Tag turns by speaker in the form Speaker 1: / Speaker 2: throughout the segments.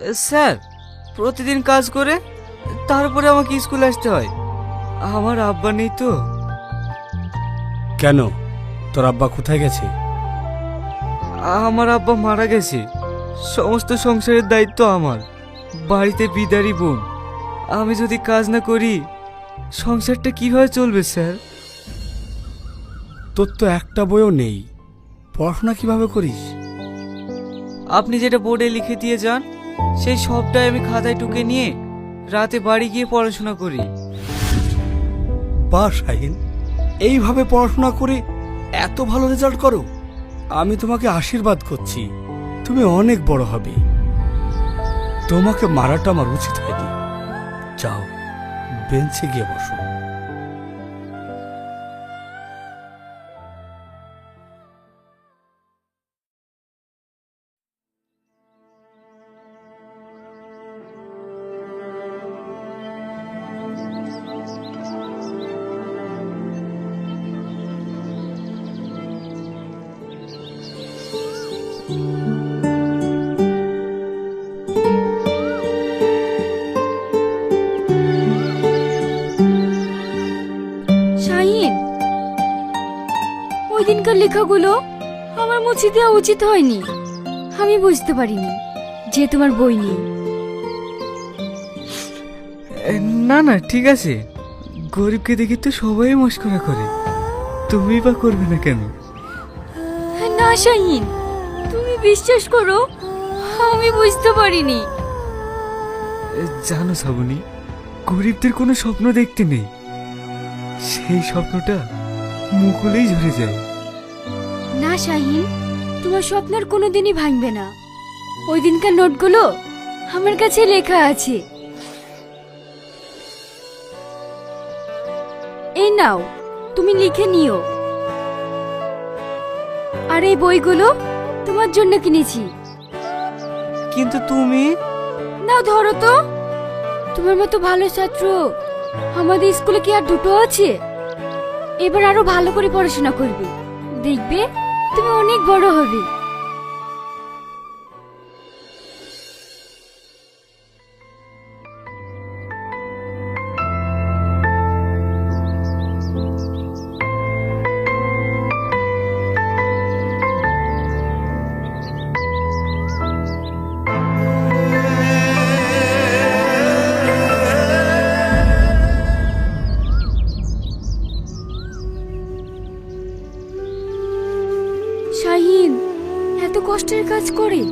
Speaker 1: Sir, প্রতিদিন কাজ করে তারপরে আমাকে স্কুলে আসতে হয়। আমার আব্বা নেই তো।
Speaker 2: কেন, তোর আব্বা কোথায় গেছে?
Speaker 1: আমার আব্বা মারা গেছে। সমস্ত সংসারের দায়িত্ব আমার। বাড়িতে বিদারি বোন। আমি যদি কাজ না করি সংসারটা কিভাবে চলবে স্যার?
Speaker 2: তোর তো একটা বইও নেই, পড়াশোনা কিভাবে করিস?
Speaker 1: আপনি যেটা বোর্ডে লিখে দিয়ে যান সেই সবটাই আমি খাতায় টুকে নিয়ে রাতে বাড়ি গিয়ে পড়াশোনা করি।
Speaker 2: বাহ শাহিন, এইভাবে পড়াশোনা করে এত ভালো রেজাল্ট করো। আমি তোমাকে আশীর্বাদ করছি, তুমি অনেক বড় হবে। তোমাকে মারাটা আমার উচিত হয়নি। যাও, বেঞ্চে গিয়ে বসো।
Speaker 3: শাহিন, ওই দিনকার লেখাগুলো আমার মুছে দেওয়া উচিত হয়নি। আমি বুঝতে পারিনি যে তোমার বই নেই।
Speaker 1: না না, ঠিক আছে। গরিবকে দেখে তো সবাই মস্করা করে, তুমি বা করবে না কেন?
Speaker 3: না শাহিন, তুমি বিশ্বাস করো, আমি বুঝতে পারিনি।
Speaker 1: জানো শ্রাবণী, গরিবদের কোনো স্বপ্ন দেখতে নেই। সেই স্বপ্নটা মুকুলেই ঝরে যায়।
Speaker 3: না শাহিন, তোমার স্বপ্ন আর কোনোদিনই ভাঙবে না। ওই দিনকার নোটগুলো আমার কাছে লেখা আছে। এই নাও, তুমি লিখে নিও। আর এই বইগুলো তোমার জন্য কিনেছি।
Speaker 1: কিন্তু তুমি
Speaker 3: নাও ধরো তো। তোমার মতো ভালো ছাত্র আমাদের স্কুলে কি আর দুটো আছে? এবার আরো ভালো করে পড়াশোনা করবে, দেখবে তুমি অনেক বড় হবে। শাহিন এত কষ্টের কাজ করে।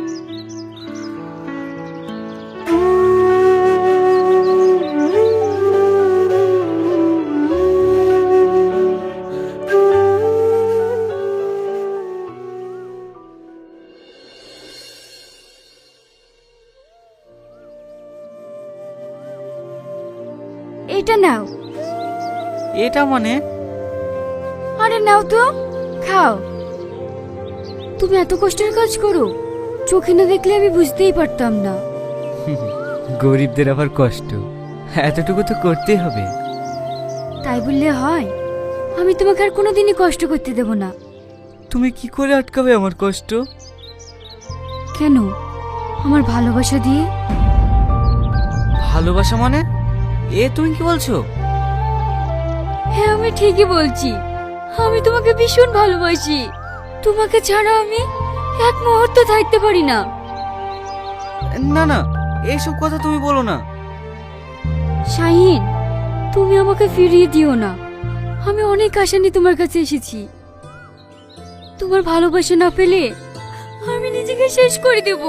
Speaker 3: এটা নাও।
Speaker 1: এটা মানে?
Speaker 3: আরে নাও তো, খাও। তুমি এত কষ্টের কাজ করো, চোখে না দেখলে আমি বুঝতেই পারতাম না।
Speaker 1: গরিবদের আবার কষ্ট, এতটুকু তো করতেই হবে।
Speaker 3: তাই বললে হয়? আমি তোমাকে আর কোনোদিনই কষ্ট করতে দেব না।
Speaker 1: তুমি কি করে আটকাবে আমার কষ্ট?
Speaker 3: কেন? আমার ভালোবাসা দিয়ে।
Speaker 1: ভালোবাসা মানে? এ তুমি কি বলছো?
Speaker 3: হ্যাঁ, আমি ঠিকই বলছি। আমি তোমাকে ভীষণ ভালোবাসি। তোমাকে ছাড়া আমি এক মুহূর্ত থাকতে পারি না।
Speaker 1: না না, এইসব কথা তুমি বলো না।
Speaker 3: শাহিন, তুমি আমাকে ফিরিয়ে দিও না। আমি অনেক আশা নিয়ে তোমার কাছে এসেছি। তোমার ভালোবাসা না পেলে আমি নিজেকে শেষ করে দেব।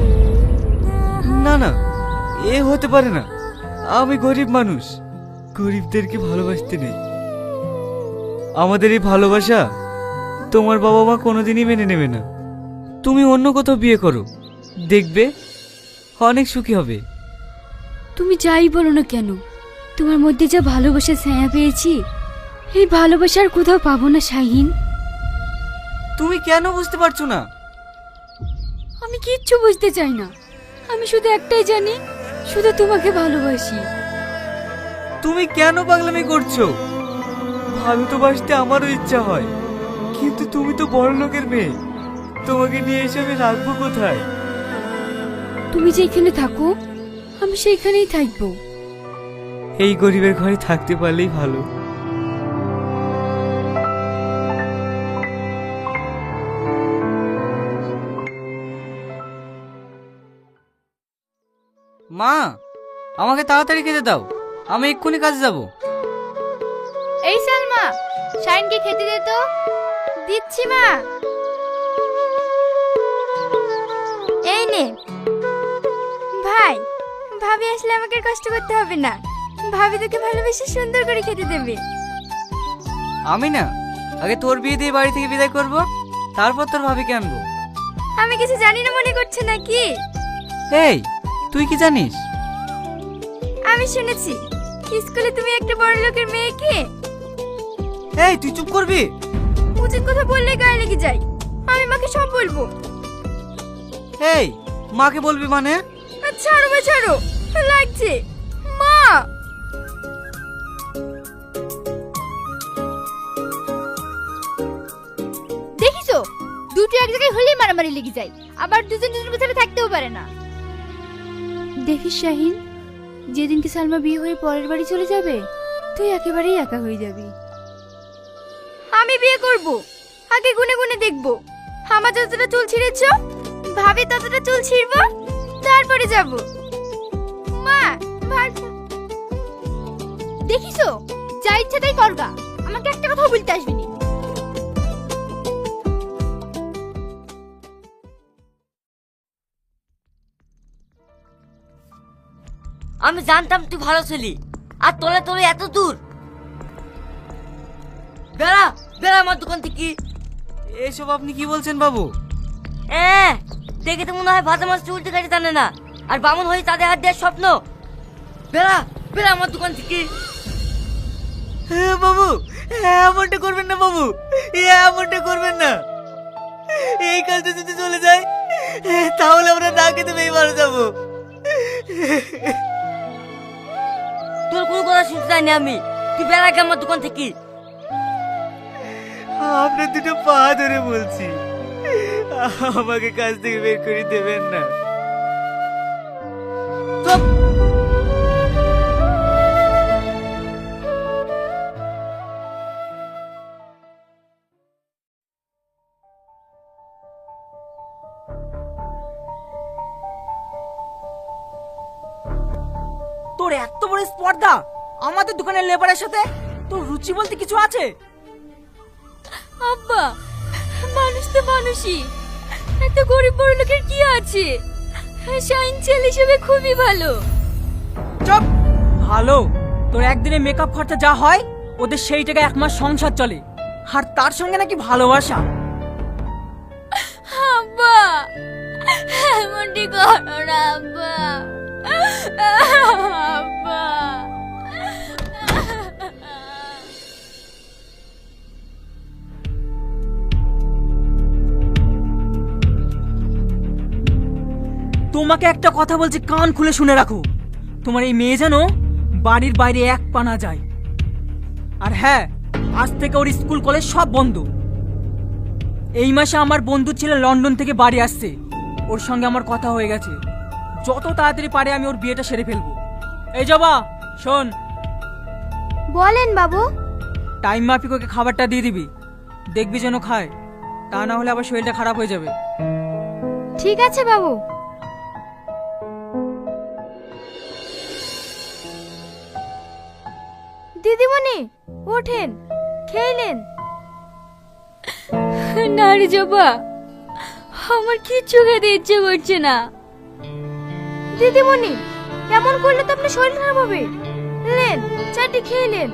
Speaker 1: না না, এ হতে পারে না। আমি গরিব মানুষ, গরিবদেরকে ভালোবাসতে নেই। আমাদের এই ভালোবাসা তোমার বাবা মা কোনোদিনই মেনে নেবে না। তুমি অন্য কোথাও বিয়ে করো, দেখবে অনেক সুখী হবে।
Speaker 3: তুমি যাই বলো না কেন, তোমার মধ্যে যা ভালোবাসা ছায়া পেয়েছি, এই ভালোবাসার কোথাও পাবো না শাহিন।
Speaker 1: তুমি কেন বুঝতে পারছো না?
Speaker 3: আমি কিচ্ছু বুঝতে চাই না। আমি শুধু একটাই জানি, শুধু তোমাকে ভালোবাসি।
Speaker 1: তুমি কেন পাগলামি করছো? ভালো তো বাসতে আমারও ইচ্ছা হয়, কিন্তু তুমি তো বড় লোকের মেয়ে, তোমাকে নিয়ে এসে আমি রাখবো কোথায়?
Speaker 3: তুমি যেখানে থাকো আমি সেইখানেই থাকবো।
Speaker 1: এই গরিবের ঘরে থাকতে পারলেই ভালো। মা, আমাকে তাড়াতাড়ি খেতে দাও, আমি এক্ষুনি কাজে যাব।
Speaker 4: এই সালমা, শাইনকে খেতে দে তো। দিচ্ছি মা। এই নে ভাই, ভাবি আসলে আমাকে আর কষ্ট করতে হবে না। ভাবি তোকে ভালোবেসে সুন্দর করে খেতে দেবে।
Speaker 1: আমি না, আগে তোর বিয়ে দিয়ে বাড়ি থেকে বিদায় করব, তারপর তোর ভাবিকে আনবো।
Speaker 4: আমি কিছু জানি না মনে করছে নাকি?
Speaker 1: এই, তুই কি জানিস?
Speaker 4: আমি শুনেছি স্কুলে তুমি একটা বড় লোকের মেয়েকে।
Speaker 1: এই, তুই চুপ করবি?
Speaker 4: উচিত কথা বললে গায়ে লেগে যায়। আমি মাকে সব বলবো।
Speaker 1: এই, মাকে বলবি মানে?
Speaker 4: ছাড়ো বা ছাড়ো, লাগছে মা। দেখিছো, দুটো এক জায়গায় হলেই মারামারি লেগে যায়, আবার দুজন দুজনের ভিতরে থাকতেও পারে না। দেখিস শাহিন, যেদিনকে সালমা বিয়ে হয়ে পরের বাড়ি চলে যাবে তুই একেবারেই একা হয়ে যাবি। আমি বিয়ে করব, আগে গুনে গুনে দেখব। আমার যতটা চুল ছিঁড়েছ ভাবি ততটা চুল ছিঁড়ব, তারপরে যাব। মা, দেখিছো, যা ইচ্ছা তাই করগা, আমাকে একটা কথা বলতে আসবি না।
Speaker 5: আমি জানতাম তুই ভালো ছিলি, আর তোলে তোলে এত দূর। বেড়া বেড়া আমার দোকান থেকে।
Speaker 1: এসব আপনি কি বলছেন বাবু?
Speaker 5: দেখে তো মনে হয় ভাজা মাছ উল্টে কাটে জানে না, আর বামন হয়ে তাদের হাত দেওয়ার স্বপ্ন। বেড়া বেড়া আমার দোকান থেকে।
Speaker 1: হ্যাঁ বাবু, এমনটা করবেন না বাবু, এমনটা করবেন না। এই কাজটা যদি চলে যায় তাহলে আমরা না খেতে পেয়ে মারা যাবো।
Speaker 5: তোর কোনো কথা শুনতে চাইনি আমি, তুই বেড়া গে আমার দোকান থেকে।
Speaker 1: আপনার দুটো পা ধরে বলছি, আমাকে কাজ থেকে বের করে দেবেন না।
Speaker 5: চুপ।
Speaker 6: তোর এত বড় স্পর্ধা আমাদের দোকানের লেবারের সাথে, তোর রুচি বলতে কিছু আছে?
Speaker 3: আব্বা, মানুষ তো মানুষই, একটা গরিব বড় লোকের কি আছে? শাইন ছেলে হিসেবে খুবই ভালো।
Speaker 6: চুপ। ভালো? তোর একদিনে মেকআপ খরচা যা হয় ওদের সেই টাকায় এক মাস সংসার চলে, আর তার সঙ্গে নাকি ভালোবাসা।
Speaker 3: আব্বা, এমনটি করো না আব্বা। আব্বা,
Speaker 6: তোমাকে একটা কথা বলছি, কান খুলে শুনে রাখো। তোমার এই মেয়ে যেন বাড়ির বাইরে এক পা না যায়। আর হ্যাঁ, আজ থেকে ওর স্কুল কলেজ সব বন্ধ। এই মাসে আমার বন্ধু ছেলে লন্ডন থেকে বাড়ি আসছে, ওর সঙ্গে আমার কথা হয়ে গেছে। যত তাড়াতাড়ি পারে আমি ওর বিয়েটা সেরে ফেলবো। এই জবা, শোন,
Speaker 4: বলেন বাবু।
Speaker 6: টাইম মাফিক ওকে খাবারটা দিয়ে দিবি, দেখবি যেন খায়, তা না হলে আবার শরীরটা খারাপ হয়ে যাবে।
Speaker 4: ঠিক আছে বাবু। দিদিমণি ওঠেন, খেলেন?
Speaker 3: না রে জবা, আমার কিচ্ছু খেতে ইচ্ছে করছে না।
Speaker 4: দিদিমণি এমন করলে তো আপনার শরীর খারাপ হবে। নেন, চাটি খেয়ে নেন।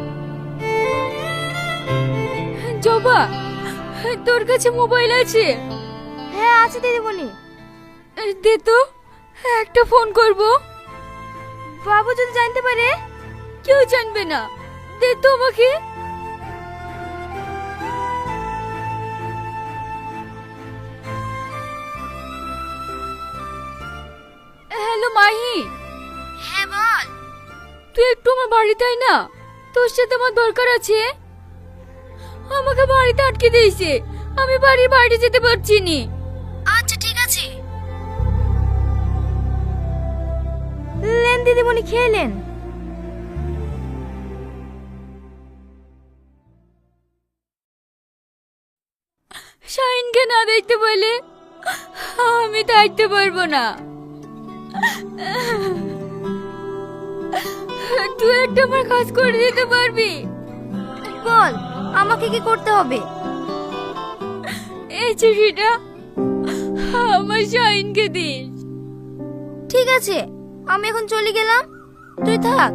Speaker 3: জবা, তোর কাছে মোবাইল আছে?
Speaker 4: হ্যাঁ আছে দিদিমণি।
Speaker 3: দে তো, একটা ফোন করব।
Speaker 4: বাবু যদি জানতে পারে?
Speaker 3: কেউ জানবে না, দে তো আমাকে। হ্যালো মাহি।
Speaker 4: হ্যাঁ বল।
Speaker 3: তুই একটু আমার বাড়িতে আয় না, তোর সাথে আমার দরকার আছে। আমাকে বাড়িতে আটকে দিয়েছে, আমি বাড়ির বাইরে যেতে পারছি নি।
Speaker 4: আচ্ছা ঠিক আছে। দিদিমণি, খেলেন?
Speaker 3: শাহিনকে না দেখতে বলে আমি থাকতে পারবো না। তুই একটা আমার কাজ করে দিতে পারবি?
Speaker 4: বল, আমাকে কি করতে হবে?
Speaker 3: এই চিঠিটা আমার শাহিনকে দিস।
Speaker 4: ঠিক আছে, আমি এখন চলে গেলাম, তুই থাক।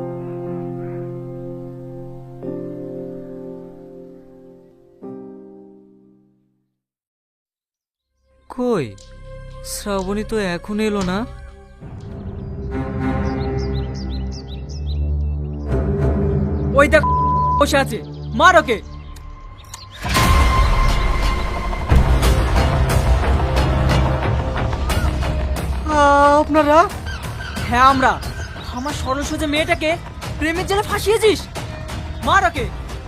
Speaker 1: কই শ্রাবণী তো এখন এলো না।
Speaker 6: ওই দেখ বসে আছে, মার ওকে।
Speaker 1: আপনারা?
Speaker 6: হ্যাঁ আমরা। আমার সরল সোজা মেয়েটাকে প্রেমের জালে ফাঁসিয়েছিস, মার ওকে।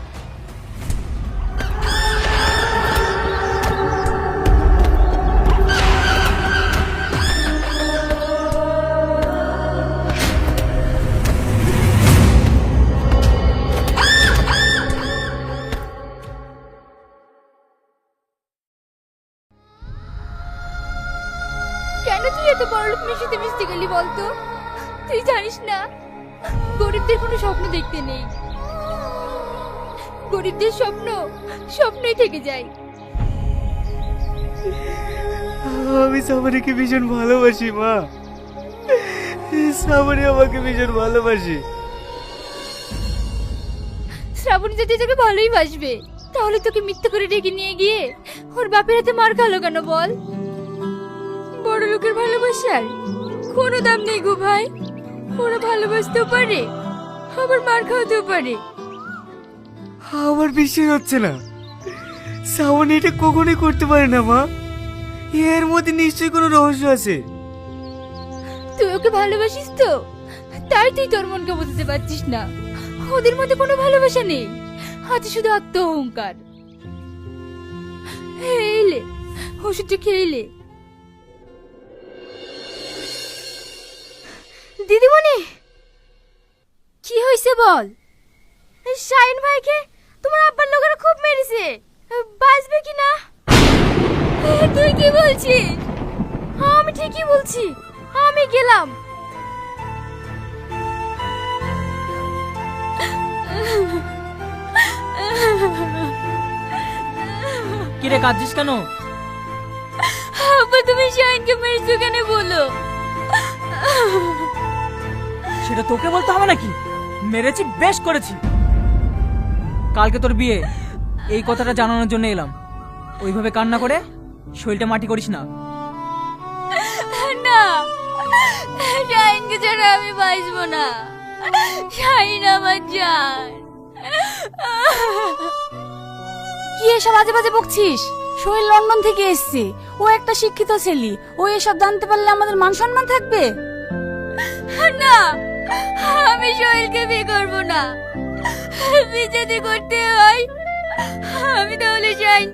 Speaker 4: কেন তুই এত বড়লোক মিশিতে মিশতে গেলি বলতো? তুই জানিস না গরিবদের কোনো স্বপ্ন দেখতে নেই, গরিবদের স্বপ্ন স্বপ্নই থেকে যায়।
Speaker 1: আমি শ্রাবণীকে ভীষণ ভালোবাসি মা, শ্রাবণী আমাকে ভীষণ ভালোবাসি।
Speaker 4: শ্রাবণী যদি তোকে ভালোই বাসবে, তাহলে তোকে মিথ্যে করে ডেকে নিয়ে গিয়ে ওর বাপের হাতে মার খালো কেন বল?
Speaker 3: বড় লোকের ভালোবাসার কোনো দাম নেই গো ভাই। ওরা ভালোবাসতেও পারে, আবার মার খাওয়াতেও পারে।
Speaker 1: আমার বিশ্বাস হচ্ছে না, শ্রাবণী এটা কখনোই করতে পারে না মা। এর মধ্যে নিশ্চয়ই কোনো রহস্য আছে।
Speaker 4: তুই ওকে ভালোবাসিস তো, তাই তুই তোর মনকে বোঝাতে পারছিস না। ওদের মধ্যে কোনো ভালোবাসা নেই, আছে শুধু আত্ম অহংকার। এলে ওষুধটা খেলে। দিদিমণি, কি হয়েছে বল? শাহিন ভাইকে তোমার আব্বার লোকেরা খুব মেরেছে, বাঁচবে কি না? তুই কি বলছিস? আমি ঠিকই বলছি, আমি গেলাম।
Speaker 6: কিরে কাঁদছিস কেন?
Speaker 3: আব্বা তুমি শাহিনকে মেরেছো কেন বলো?
Speaker 6: সেটা তোকে বলতে হবে নাকি? মেরেছি, বেশ করেছি। কালকে তোর বিয়ে, এই কথাটা জানানোর জন্য এলাম। ওইভাবে কান্না করে শরীরটা মাটি করিস না।
Speaker 3: না, শাহিনকে ছাড়া আমি বাঁচবো না। শাহিন আমার জান।
Speaker 7: কি এসব আজে বাজে বকছিস? সোহেল লন্ডন থেকে এসেছে, ও একটা শিক্ষিত ছেলে, ও এসব জানতে পারলে আমাদের মান সম্মান থাকবে?
Speaker 3: না, আমি সোহেলকে বিয়ে করবো না। বিয়ে যদি করতে হয় আমি তাহলে শাহিন